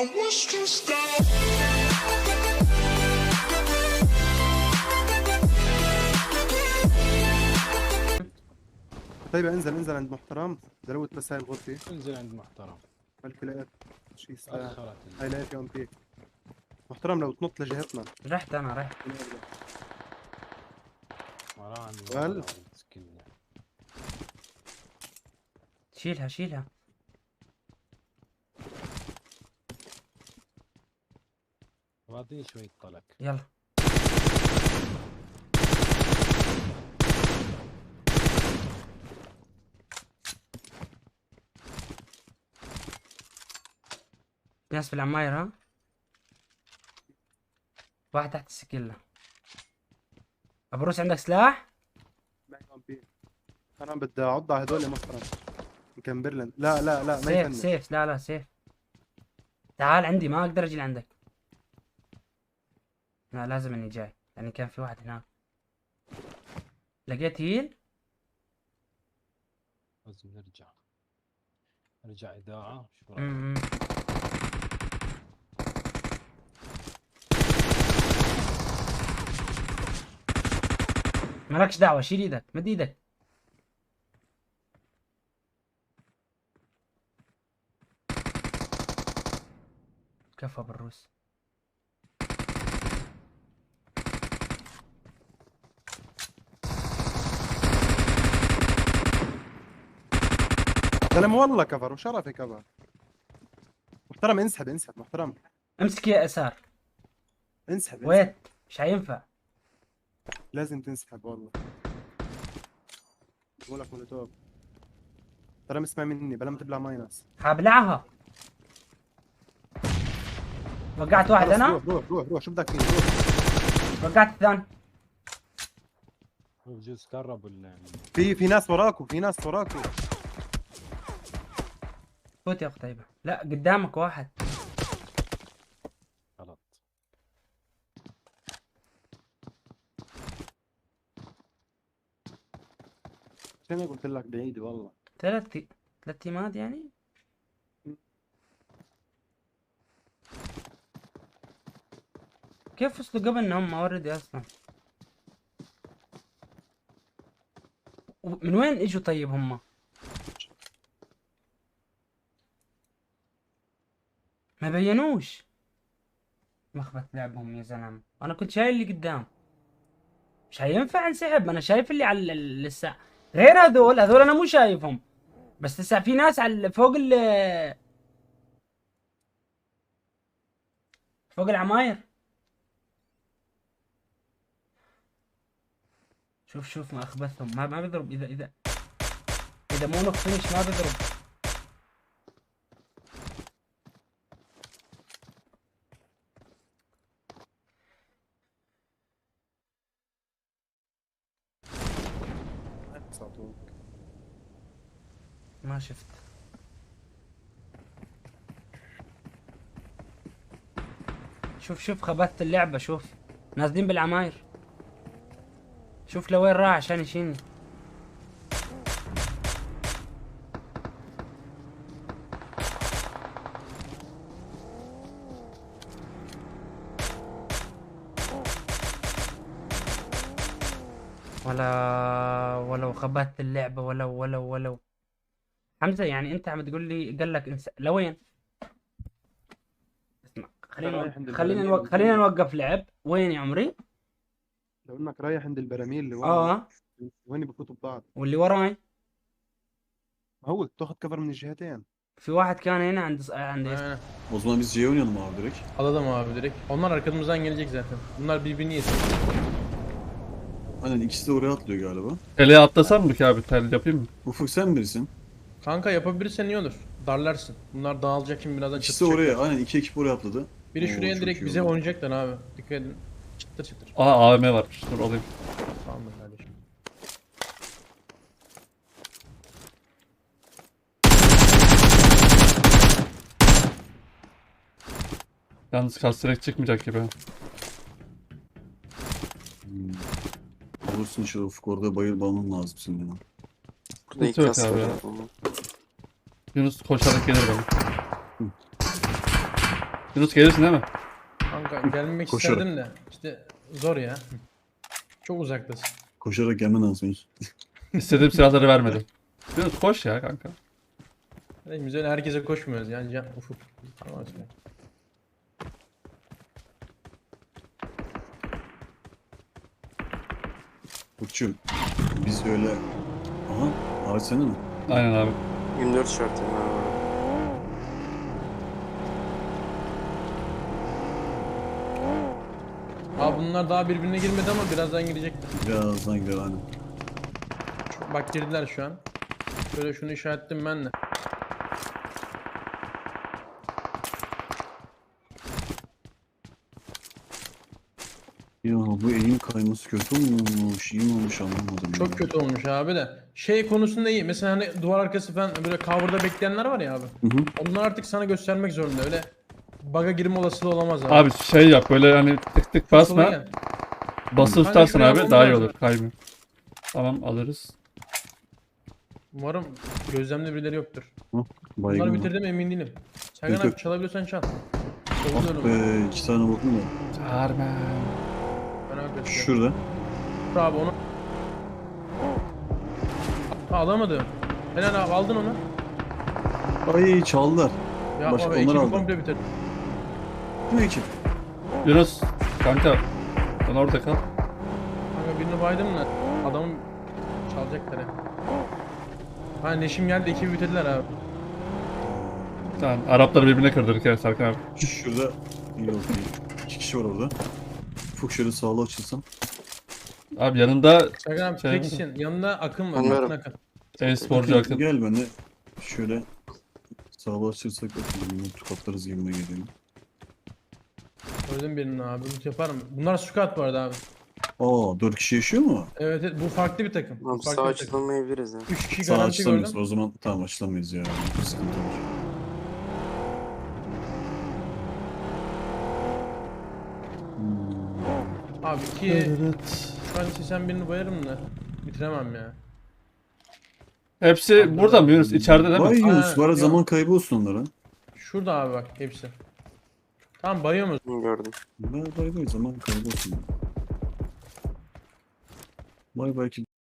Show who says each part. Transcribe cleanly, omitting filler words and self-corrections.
Speaker 1: was stressed out.
Speaker 2: طيب انزل عند محترم زلوت بس هاي الغرفة.
Speaker 3: انزل عند محترم.
Speaker 2: ملك لقيت شي سلاح.
Speaker 3: اخرت
Speaker 2: هاي لقيت يوم بيك محترم لو تنط لجهتنا.
Speaker 4: رحت انا رحت.
Speaker 3: وراني
Speaker 2: وهل؟
Speaker 3: سكينة.
Speaker 4: شيلها شيلها.
Speaker 3: واعطيني شوية طلق.
Speaker 4: يلا في ناس في العماير ها. واحد تحت السكيلة. ابو روس عندك سلاح؟
Speaker 2: معي يوم بيك. انا بدي اعض على هذول محترم. يمكن برلين. لا ما
Speaker 4: سيف
Speaker 2: يفنش.
Speaker 4: سيف لا سيف. تعال عندي ما اقدر اجي لعندك. لا لازم اني جاي يعني كان في واحد هناك. لقيت هيل.
Speaker 3: لازم نرجع إذاعة. شو رأيك؟
Speaker 4: م-م. مالكش دعوة شيل ايدك مد ايدك. كفى بالروس.
Speaker 2: سلام والله كفر وشرفي كفر. محترم انسحب محترم.
Speaker 4: امسك يا اسار.
Speaker 2: انسحب.
Speaker 4: ويت مش هينفع.
Speaker 2: لازم تنسحب والله. بقول لك مولوتوف. ترى اسمع مني بلا ما تبلع ماينس.
Speaker 4: حابلعها. وقعت واحد
Speaker 2: خلص،
Speaker 4: انا.
Speaker 2: روح شو بدك فيه روح.
Speaker 4: وقعت الثاني.
Speaker 3: هو بجوز قرب ولا
Speaker 2: في ناس وراكو
Speaker 4: فوت يا قتيبة. لا قدامك واحد.
Speaker 3: غلط.
Speaker 2: انا قلت لك بعيد والله.
Speaker 4: ثلاث تيمات يعني. كيف وصلوا قبل انهم اوردي اصلا؟ من وين اجوا طيب هم؟ ما بينوش. مخبط لعبهم يا زلمه. انا كنت شايل اللي قدام. مش هينفع انسحب. انا شايف اللي على لسه. غير هذول انا مو شايفهم. بس لسه في ناس على فوق العماير. شوف ما اخبثهم. ما بيضرب. اذا مو نوك فينش ما بيضرب. ما شفت. شوف خبثت اللعبة. شوف نازلين بالعماير. شوف لوين راح عشان يشيلني. ولو خبثت اللعبة ولو حمزة يعني انت عم تقول لي قال لك لوين؟ اسمع خلينا نوقف لعب. وين يا عمري؟
Speaker 2: لو انك رايح عند البراميل اللي ورا. وين بفوتوا ببعض.
Speaker 4: واللي وراي
Speaker 2: هو تاخذ كفر من الجهتين.
Speaker 4: في واحد كان هنا عند
Speaker 5: O zaman biz C oynayalım abi direkt.
Speaker 6: Alalım abi direkt. Onlar arkamızdan gelecek zaten. Bunlar birbirini yesin.
Speaker 5: Aynen ikisi de oraya atlıyor galiba.
Speaker 7: Teleye atlasam mı ki abi? Tel yapayım mı?
Speaker 5: Ufuk sen birisin.
Speaker 6: Kanka yapabilirsen iyi olur. Darlarsın. Bunlar dağılacak şimdi birazdan
Speaker 5: İkisi de
Speaker 6: çıtır
Speaker 5: oraya. Aynen iki ekip oraya atladı.
Speaker 6: Biri
Speaker 5: Oo,
Speaker 6: şuraya
Speaker 5: çok
Speaker 6: direkt
Speaker 5: iyi
Speaker 6: bize
Speaker 5: oldu.
Speaker 6: oynayacaklar abi. Dikkat edin. Çıtır çıtır.
Speaker 7: Aa AVM varmış. Dur alayım.
Speaker 6: Tamam mı kardeşim?
Speaker 7: Yalnız kastirek çıkmayacak gibi.
Speaker 5: Olursun işte Ufuk orada bayılmam lazım senin ya.
Speaker 8: Burada
Speaker 7: Sıkıntı yok
Speaker 8: ikaz
Speaker 7: abi
Speaker 8: var
Speaker 7: ya.
Speaker 8: abi.
Speaker 7: Yunus koşarak gelir bana. Yunus gelirsin değil mi?
Speaker 6: Kanka gelmek
Speaker 5: Koşarak.
Speaker 6: isterdim de işte zor ya. Çok uzaktasın.
Speaker 5: Koşarak gelmen lazım Yunus.
Speaker 7: İstediğim silahları vermedim. Yunus koş ya kanka.
Speaker 6: Biz öyle herkese koşmuyoruz yani. Ufuk. Tamam.
Speaker 5: Burçum. Biz öyle... Aha. Ağaç sende mi?
Speaker 7: Aynen abi.
Speaker 1: 24 şart yani.
Speaker 6: Abi bunlar daha birbirine girmedi ama birazdan girecekler.
Speaker 5: Birazdan gider hani.
Speaker 6: Bak girdiler şu an. Şöyle şunu işaretledim ben de.
Speaker 5: Ya bu eğim kayması kötü olmuş, iyi mi olmuş anlamadım. ya.
Speaker 6: Çok kötü olmuş abi de. Şey konusunda iyi. Mesela hani duvar arkası falan böyle cover'da bekleyenler var ya abi.
Speaker 5: Hı hı.
Speaker 6: Onlar artık sana göstermek zorunda. Öyle bug'a girme olasılığı olamaz abi.
Speaker 7: Abi şey yap böyle hani tık tık
Speaker 6: Sola
Speaker 7: basma.
Speaker 6: gel.
Speaker 7: Basılı
Speaker 6: Kanka
Speaker 7: tutarsın
Speaker 6: şuraya
Speaker 7: abi
Speaker 6: almam
Speaker 7: daha iyi
Speaker 6: lazım.
Speaker 7: olur. Kaymıyor. Tamam alırız.
Speaker 6: Umarım gözlemde birileri yoktur.
Speaker 5: Baygın
Speaker 6: Bunları
Speaker 5: var.
Speaker 6: bitirdim emin değilim. Sergen
Speaker 5: Yok,
Speaker 6: abi
Speaker 5: yok.
Speaker 6: çalabiliyorsan çal.
Speaker 5: Ah
Speaker 6: Oluyorum.
Speaker 5: be 2 tane bakın da.
Speaker 7: Çağırma.
Speaker 6: Merak ettim.
Speaker 5: Şurada.
Speaker 6: Dur abi onu. Ha, alamadım. Helal abi aldın onu.
Speaker 5: Ay çaldılar.
Speaker 6: Ya
Speaker 5: Başka
Speaker 6: abi
Speaker 5: onlar
Speaker 6: ekibi
Speaker 5: aldı.
Speaker 6: komple bitirdim.
Speaker 5: Bu ne ekip?
Speaker 7: Yunus kanka sen orada kal.
Speaker 6: Kanka birini baydım da adamın çalacaklar ya. Ha Neşim geldi ekibi bitirdiler abi.
Speaker 7: Tamam Arapları birbirine kırdırdık ya Serkan abi.
Speaker 5: Şurada iyi oldu. 2 kişi var orada. Ufuk şöyle sağlı açılsam.
Speaker 7: Abi yanında
Speaker 6: Sergen abi
Speaker 7: Şey
Speaker 6: teksin. Yanında Akın var.
Speaker 1: Anlıyorum.
Speaker 6: Akın Akın.
Speaker 7: e-sporcu Akın.
Speaker 5: Gel ben de şöyle sağlı açırsak bakayım. Tukatlarız gibime geliyor.
Speaker 6: Öldüm birini abi. Loot yapar mı? Bunlar squad bu arada abi.
Speaker 5: Aa 4 kişi yaşıyor mu?
Speaker 6: Evet, evet bu farklı bir takım. Bu
Speaker 1: Abi
Speaker 6: farklı
Speaker 1: sağ
Speaker 6: bir takım.
Speaker 1: açılamayabiliriz ya.
Speaker 6: 3 kişi
Speaker 5: Sağ
Speaker 6: garanti
Speaker 5: açılamayız.
Speaker 6: gördüm.
Speaker 5: O zaman tamam açılamayız ya. Sıkıntı var.
Speaker 6: Abi iki şu an istesem birini bayarım da bitiremem ya.
Speaker 7: Hepsi burada mı Yunus? İçeride değil
Speaker 5: Vay
Speaker 7: mi?
Speaker 5: Yunus var
Speaker 6: yok.
Speaker 5: zaman kaybı olsun onlara.
Speaker 6: Şurada abi bak hepsi. Tamam bayıyor musun?
Speaker 1: Gördüm.
Speaker 5: Bay bay zaman kaybı olsun. Bay bay ki